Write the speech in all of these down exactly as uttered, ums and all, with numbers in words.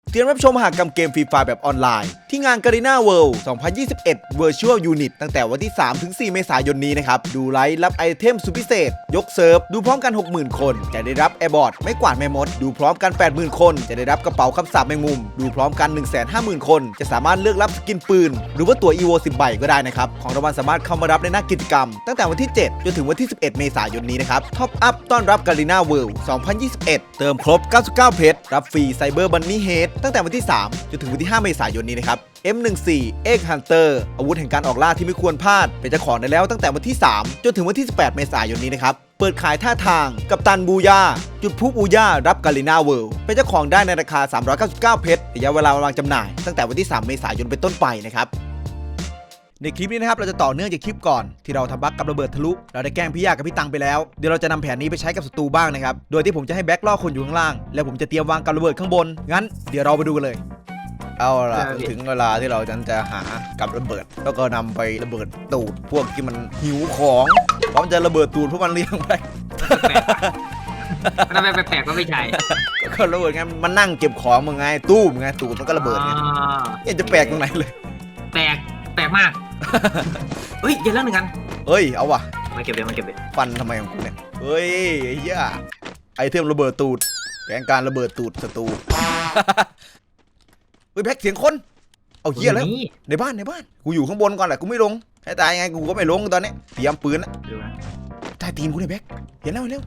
เตรียมรับชมมหกรรมเกมฟรีไฟแบบออนไลน์ที่งาน Garena World สองพันยี่สิบเอ็ด Virtual Unit ตั้งแต่วันที่ สามถึงสี่ เมษายนนี้นะครับ ดูไลฟ์รับไอเทมสุดพิเศษ ยกเซิร์ฟ ดูพร้อมกัน หกหมื่น คน จะได้รับแอร์บอร์ดไม่กวาดแม่มด ดูพร้อมกัน แปดหมื่น คน จะได้รับกระเป๋าคำสาปแมงมุม ดูพร้อมกัน หนึ่งแสนห้าหมื่น คน จะสามารถเลือกรับสกินปืน หรือว่าตั๋ว อี โว สิบ ใบก็ได้นะครับ ของรางวัลสามารถเข้ามารับในหน้ากิจกรรม ตั้งแต่วันที่ เจ็ด จนถึงวันที่ สิบเอ็ด เมษายนนี้นะครับท็อปอัพต้อนรับ Garena World สองพันยี่สิบเอ็ด เติมครบ เก้าสิบเก้า เพชรรับฟรีไซเบอร์บันนี่เฮดตั้งแต่วันที่ สาม จนถึงวันที่ ห้า เมษายนนี้นะครับ เอ็ม หนึ่งสี่ Egg Hunter อาวุธแห่งการออกล่าที่ไม่ควรพลาดเป็นเจ้าของได้แล้วตั้งแต่วันที่ สาม จนถึงวันที่ สิบแปด เมษายนนี้นะครับเปิดขายท่าทางกับตันบูย่าจุดพลุบูย่ารับ Garena World เป็นเจ้าของได้ในราคา สามร้อยเก้าสิบเก้า เพชรระยะเวลาวางจำหน่ายตั้งแต่วันที่ สาม เมษายนเป็นต้นไปนะครับในคลิปนี้นะครับเราจะต่อเนื่องจากคลิปก่อนที่เราทำบั๊กกับระเบิดทะลุเราได้แกล้งพี่ยากับพี่ตังไปแล้วเดี๋ยวเราจะนำแผนนี้ไปใช้กับศัตรูบ้างนะครับโดยที่ผมจะให้แบ็คล่อคนอยู่ข้างล่างแล้วผมจะเตรียมวางกับระเบิดข้างบนงั้นเดี๋ยวเราไปดูกันเลยเอาล่ะถึงเวลาที่เราจะหากับระเบิดแล้วก็นำไประเบิดตูดพวกที่มันหิวของพร้อมจะระเบิดตูดพวกมันเลี้ยงไปมันแปลกๆก็ไม่ใช่ก็ระเบิดไงมันนั่งเก็บของมึงไงตู้มไงตูดมันก็ระเบิดไงยังจะแปลกตรงไหนเลยแปลกแปลกมากเฮ้ยเดี๋ยวเรื่องหนึ่งกันเฮ้ยเอาว่ะมาเก็บเลยมาเก็บเลยฟันทำไมของกูเนี่ยเฮ้ยไอ้เหี้ยไอเทมระเบิดตูดแผนการระเบิดตูดศัตรูเฮ้ยแพ็กเสียงคนเอาเหี้ยแล้วในบ้านในบ้านกูอยู่ข้างบนก่อนแหละกูไม่ลงให้ตายยังไงกูก็ไม่ลงตอนนี้เตรียมปืนนะใต้ตีนกูเนี่ยแบ็กเห็นแล้วเห็นแล้ว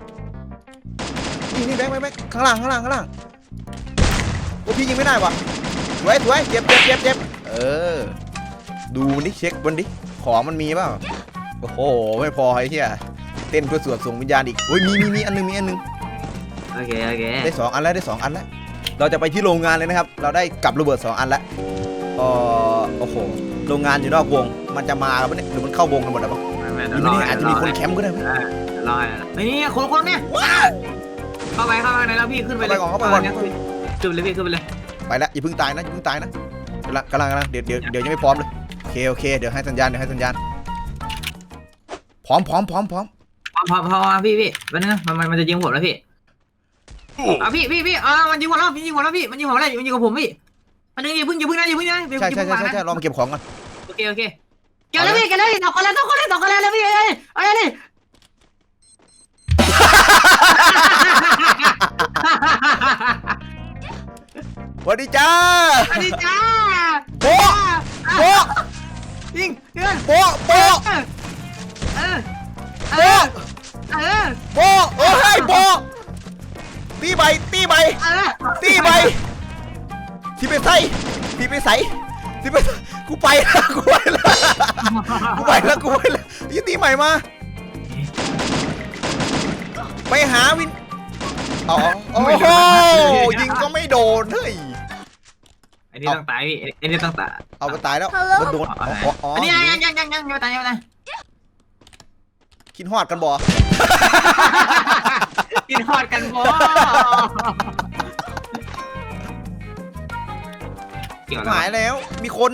นี่นี่แบ็กแบ็กแบ็กข้างล่างข้างล่างข้างล่างโอ้พี่ยิงไม่ได้ว่ะสวยสวยเจ็บเจ็บเจ็บเจ็บเออดูนี่เช็คบนดิของมันมีเปล่าโอ้โหไม่พอไอ้เหี้ยเต้นเพื่อสวดส่งวิญญาณอีกโอ้ยมีมีมีอันนึงมีอันนึงโอเคโอเคได้สองอันแล้วได้สองอันแล้วเราจะไปที่โรงงานเลยนะครับเราได้กับระเบิดสองอันแล้วอ๋อโอ้โหโรงงานอยู่นอกวงมันจะมาแล้วเนี่ยหรือมันเข้าวงกันหมดแล้วมั้งนี่ไม่แน่อาจจะมีคนแคมป์ก็ได้ไหมรอไอ้นี่คนคนเนี่ยเข้าไปเข้าไปในแล้วพี่ขึ้นไปเลยเข้าไปก่อนขึ้นไปเลยพี่ขึ้นไปเลยไปแล้วอย่าเพิ่งตายนะอย่าเพิ่งตายนะกำลังกำลังกำลังเดี๋ยวเดี๋ยวเดี๋ยวยังไม่พร้อมเลยโอเคโอเคเดี๋ยวให้สัญญาณเดี๋ยวให้สัญญาณพร้อมพร้อมพร้อมพร้อมพร้อมพร้อมพี่พี่วันนึงมันมันจะยิงผมแล้วพี่อ่ะพี่พี่พี่อ่ามันยิงผมแล้วมันยิงผมแล้วพี่มันยิงผมแล้วมันยิงกับผมพี่มันนึงอย่าเพิ่งอย่าเพิ่งนะอย่าเพิ่งนะใช่ใช่ใช่ใช่ลองเก็บของก่อนโอเคโอเคเก็บแล้วพี่เก็บแล้วสองคนแล้วสองคนแล้วสองคนแล้วพี่เอ้ยเอ้ยนี่สวัสดีจ้าสวัสดีจ้าโป๊ะโป๊ะยิงเงินโป๊ะโป๊ะเออเออเออโป๊ะโอ้ยโป๊ะตีใบตีใบตีใบที่ไปใส่ที่ไปใส่ที่ไปกูไปแล้วกูไปแล้วกูไปแล้วกูไปแล้วยี่ตีใหม่มาไปหาวินอ๋อโอ้โหยิงก็ไม่โดนเฮ้ยไอ้นี่ต้องตายพี่ไอ้นี่ต้องตายเอาไปตายแล้วมันโดนอันนี้ยังยังยังยังยังตายยังไงกินฮอดกันบ่กินฮอดกันบ่หายแล้วมีคน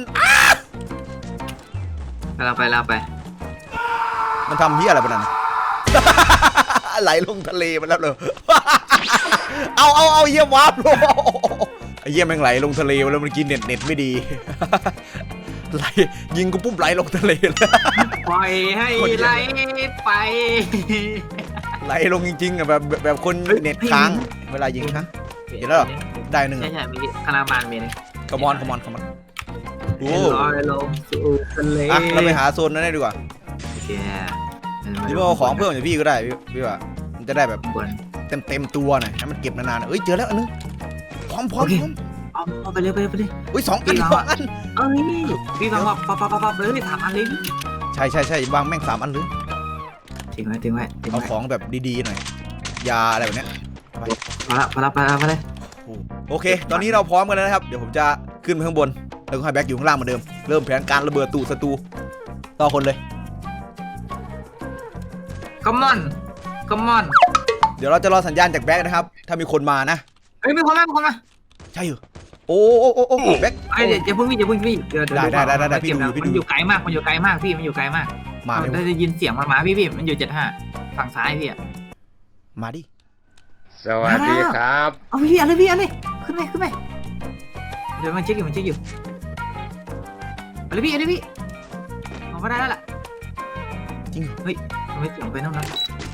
เราไปเราไปมันทำเหี้ยอะไรไปนั่นไหลลงทะเลมาแล้วเลยเอาเอาเอาเยี่ยมวาร์ปลงไอ้เยี่ยมแม่งไหลลงทะเลแล้วมันกินเน็ตเน็ตไม่ดีไหลยิงกูปุ๊บไหลลงทะเลเลยปล่อยให้ไหลไปไหลลงจริงๆอ่ะแบบแบบคนเน็ตค้างเวลายิงค้างเห็นแล้วได้หนึ่งใช่ใช่มีคาราบานมีนึงคอมอนคอมอนคอมอนโอ้ยลงสู่ทะเลอ่ะเราไปหาโซนนั้นได้ดีกว่าโอเคพี่ว่าของเพิ่มจากพี่ก็ได้พี่พี่ว่ามันจะได้แบบเต็มเต็มตัวหน่อยให้มันเก็บนานๆเอ้ยเจอแล้วอันนึงพร้อมพร้อมพร้อมเอาไปเลยไปเลยไปเลยอุ้ยสองอันสองอันเอ้ยพี่ฟังว่าปั๊บปั๊บปั๊บเลยสามอันเลยใช่ใช่ใช่วางแม่งสามอันเลยทิ้งไว้ทิ้งไว้เอาของแบบดีๆหน่อยยาอะไรแบบเนี้ยมาละมาละมาละมาเลยโอเคตอนนี้เราพร้อมกันแล้วนะครับเดี๋ยวผมจะขึ้นไปข้างบนแล้วก็ให้แบ็คอยู่ข้างล่างเหมือนเดิมเริ่มแผนการระเบิดตูดศัตรูต่อคนเลยคัมมอนคัมมอนเดี๋ยวเราจะรอสัญญาณจากแบ็คนะครับถ้ามีคนมานะเฮ้ยมีคนมามีคนมาใช่เหรอโอ้โอ้โอ้โอ้แบ็คไอ้เดี๋ยวจะพึ่งพี่จะพึ่งพี่ได้ได้ได้ได้พี่ดูพี่ดูมันอยู่ไกลมากมันอยู่ไกลมากพี่มันอยู่ไกลมากมาได้จะยินเสียงมันมาพี่พี่มันอยู่เจ็ดห้าฝั่งซ้ายพี่อะมาดิสวัสดีครับเอาพี่อะไรพี่อะไรขึ้นไปขึ้นไปเดี๋ยวมันเช็คอยู่มันเช็คอยู่เอาเลยพี่เอาเลยพี่เอาก็ได้แล้วล่ะจริงเฮ้ยทำไมเสียงไปนั่นนะ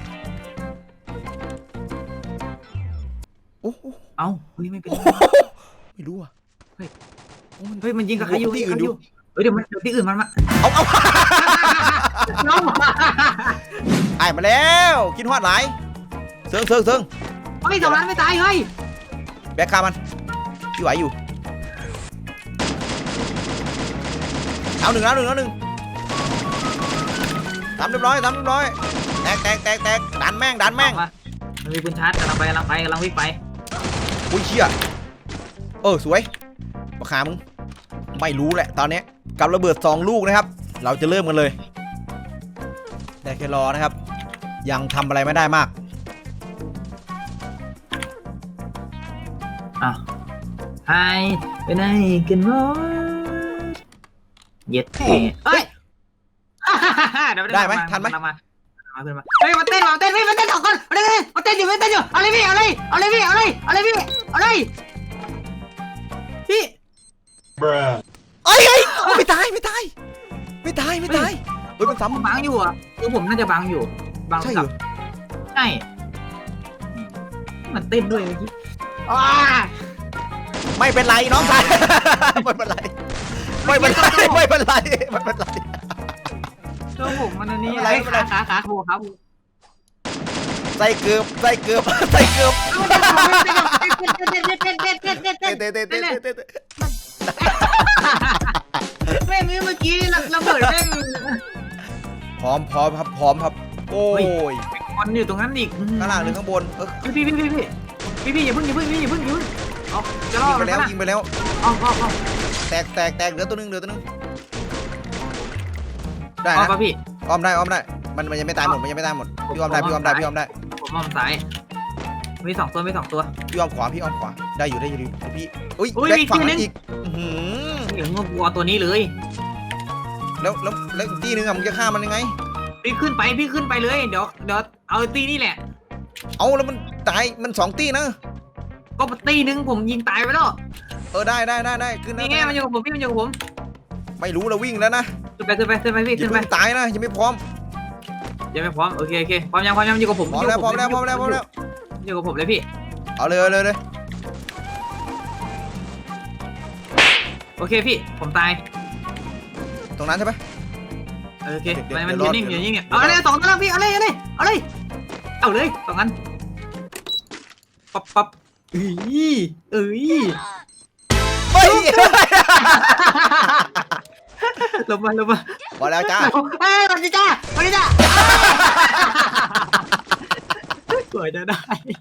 โอ้โหเอ้าเฮ้ยไม่เป็นไรไม่รู้อ่ะเฮ้ยมันยิงกับใครอยู่ที่อื่นอยู่เฮ้ยเดี๋ยวมันเดี๋ยวที่อื่นมันมาเอาเอาน้องไอ้มาแล้วกินฮอดหลายเซิงเซิงเซิงเฮ้ยสองล้านไม่ตายเฮ้ยแบกคามันพี่ไหวอยู่เอาหนึ่งแล้วหนึ่งแล้วหนึ่งทำเรียบร้อยทำเรียบร้อยแตกแตกแตกแตกดันแม่งดันแม่งมันมีปืนชาร์จกำลังไปกำลังไปกำลังวิ่งไปอุ้ยเชี่ยเออสวยราคามึงไม่รู้แหละตอนนี้กับระเบิดสองลูกนะครับเราจะเริ่มกันเลยแต่แค่รอนะครับยังทำอะไรไม่ได้มากอ่ะไฮไปไหนกันวะเย็ดเอ้ยได้ไหมทันไหมมาเฮ้ยมาเต้นมาเต้นพี่มาเต้นสองคนมาเต้นมาเต้นอยู่มาเต้นอยู่เอาเลยพี่เอาเลยเอาเลยพี่เอาเลยเอาเลยพี่เอาเลยพี่เอ้ยเอ้ยไม่ตายไม่ตายไม่ตายไม่ตายเฮ้ยมันซ้ำบังอยู่อ่ะคือผมน่าจะบังอยู่บังใช่เหรกัอบใช่มันเต้นด้วยเมื่อกี้อ้าไม่เป็นไรน้องชาย ไม่เป็นไรไม่เป็นไรไม่เป็นไรไม่เป็นไรตัวผมมันอันนี้ไม่เป็นไรไอ้ขาขาขาโคครับใส่เกือบใส่เกือบใส่เกือบเต้นเตะเตะเตะเตะเตะเตะเตะแม่งเมื่อกี้ระเบิดแม่งพร้อมพร้อมครับพร้อมครับโอ้ยมันอยู่ตรงนั้นอีกข้างล่างหรือข้างบนเออพี่พี่พี่พี่พี่พี่อย่าเพิ่งอย่าเพิ่งอย่าเพิ่งอย่าเพิ่งเอาจะรอยิงดไปแล้วยิงไปแล้วเอาเอาเอาแตกแตกแตกเหลือตัวนึงเหลือตัวนึงได้เอานะป่ะพี่อ้อมได้อ้อมได้มันมันยังไม่ตายหมดมันยังไม่ตายหมดพี่อ้อมได้พี่อ้อมได้พี่อ้อมได้ผมมองซ้ายมีสองตัวมีสองตัวพี่อ้อมขวาพี่อ้อมขวาได้อยู่ได้อยู่พี่อุ้ยอุ้ยแบ็คมีฝั่งที่นั้นนึงอีกอื้อหือเดี๋ยวงวัวตัวนี้เลยแล้วแล้วแล้วอีกที่นึงอะมึงจะฆ่ามันยังไงพี่ขึ้นไปพี่ขึ้นไปเลยเดี๋ยวเดี๋ยวเอาตีนี่แหละเอาแล้วมันตายมันสองตีนะก็ตีนึงผมยิงตายไปแล้วเออได้ได้ได้ได้ขึ้นนี่ไงมันอยู่กับผมพี่มันอยู่กับผมไม่รู้เราวิ่งแล้วนะขึ้นไปขึ้นไปขึ้นไปพี่อย่าขึ้นไปเพิ่งตายนะยังไม่พร้อมยังไม่พร้อมโอเคโอเคพร้อมยังพร้อมยังอยู่กับผมพร้อมแล้วพร้อมแล้วพร้อมแล้วพร้อมแล้วอยู่กับผมเลยพี่เอาเลยเอาเลยเลยโอเคพี่ผมตายตรงนั้นใช่ไหมโอเคเดี๋ยวมันเดี๋มันยวยืนนิ่งเดี๋ยืยวนนิ่งเนี่ยเอาเลยสองตัวแล้วพี่เอาเลยเอาเลยเอาเลยเอาเลยสองอันปั๊บปั๊บเอ้ยเอ้ยเฮ้ยลงมาลงมาพอแล้วจ้าเอ้ยสวัสดีจ้าสวัสดีจ้าสวยจะได้